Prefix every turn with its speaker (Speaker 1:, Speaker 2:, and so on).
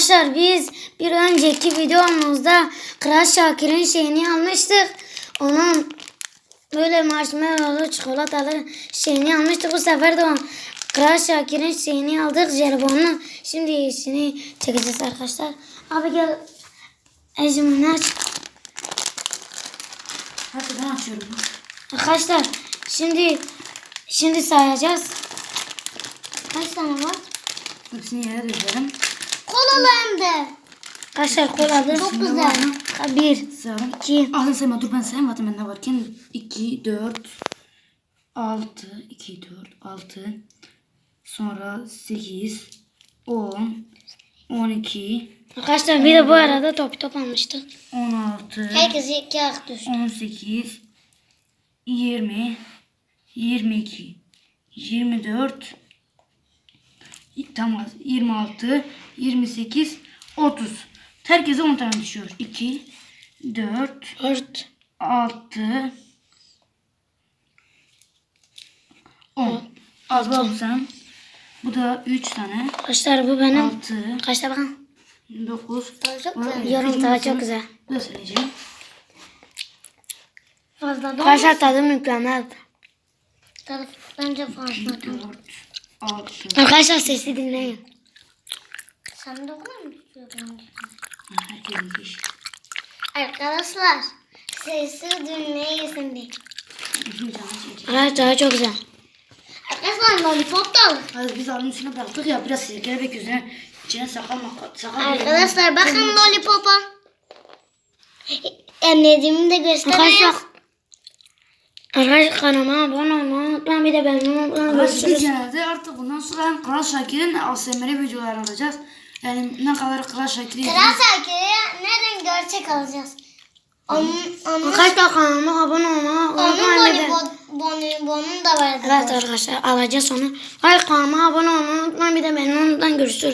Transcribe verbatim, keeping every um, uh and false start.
Speaker 1: Arkadaşlar biz bir önceki videomuzda Kral Şakir'in şeyini almıştık. Onun böyle marshmallow çikolatalı şeyini almıştık. Bu sefer de Kral Şakir'in şeyini aldık, jelibonunu. Şimdi işini çekeceğiz arkadaşlar. Abi gel. Ecimini aç.
Speaker 2: Hadi ben açıyorum.
Speaker 1: Arkadaşlar şimdi şimdi sayacağız. Kaç tane var?
Speaker 2: Hepsini yere dökelim.
Speaker 3: Kolalı hem de.
Speaker 1: Arkadaşlar kolalı.
Speaker 3: Çok güzel.
Speaker 1: Bir,
Speaker 2: Sayalım.
Speaker 1: iki.
Speaker 2: Alın sayma, dur ben sayamadım ben ne varken. iki, dört, altı, iki, dört, altı. Sonra sekiz, on, on iki,
Speaker 1: Arkadaşlar bir de bu arada top top almıştık.
Speaker 2: on altı,
Speaker 3: Herkes iki hak düştü.
Speaker 2: on sekiz, yirmi, yirmi iki, yirmi dört, tamam, yirmi altı, yirmi sekiz, otuz. Herkese on tane düşüyor. iki, dört,
Speaker 1: Dört.
Speaker 2: altı, on. Az bak sen. Bu da üç tane.
Speaker 1: Arkadaşlar bu benim.
Speaker 2: altı,
Speaker 1: Arkadaşlar bakın.
Speaker 2: dokuz.
Speaker 3: Çok güzel.
Speaker 1: Yorum tadı çok güzel.
Speaker 2: Bu da söyleyeceğim.
Speaker 3: Fazla
Speaker 1: Arkadaşlar tadı mükemmel.
Speaker 3: da bence fazla.
Speaker 2: dört, altı.
Speaker 1: Arkadaşlar sesi dinleyin.
Speaker 3: Sen de okula mı tutuyorsun?
Speaker 2: Herkesin iş.
Speaker 3: Arkadaşlar sesi dinleyesin bir.
Speaker 2: Bizim canı çekecek.
Speaker 1: Arkadaşlar tadı çok güzel.
Speaker 3: Arkadaşlar lollipop da alın.
Speaker 2: Hadi biz alın üstüne bıraktık ya, biraz sirkele bek yüzüne. İçine sakal makal. Sakal
Speaker 3: Arkadaşlar bakın lollipopa. Emniyetimi de göstereyim.
Speaker 1: Arkadaşlar. Arkadaşlar kanalıma abone olmayı unutmayın. Bir de beğenmeyi unutmayın.
Speaker 2: Arkadaşlar biz
Speaker 1: Görüşürüz.
Speaker 2: genelde artık bundan sonra hem Kral Şakir'in A S M R videoları alacağız. Yani ne kadar Kral Şakir'i
Speaker 3: Kral Şakir'i nereden gerçek alacağız? Onun, onun,
Speaker 1: Arkadaşlar kanalıma abone olmayı
Speaker 3: onun
Speaker 1: unutmayın. Bir de-
Speaker 3: bonibonun da vardı.
Speaker 1: Evet arkadaşlar alacağız onu. Hayır kanalıma abone olmayı unutmayın. Bir de beğenmeyi unutmayın. Görüşürüz.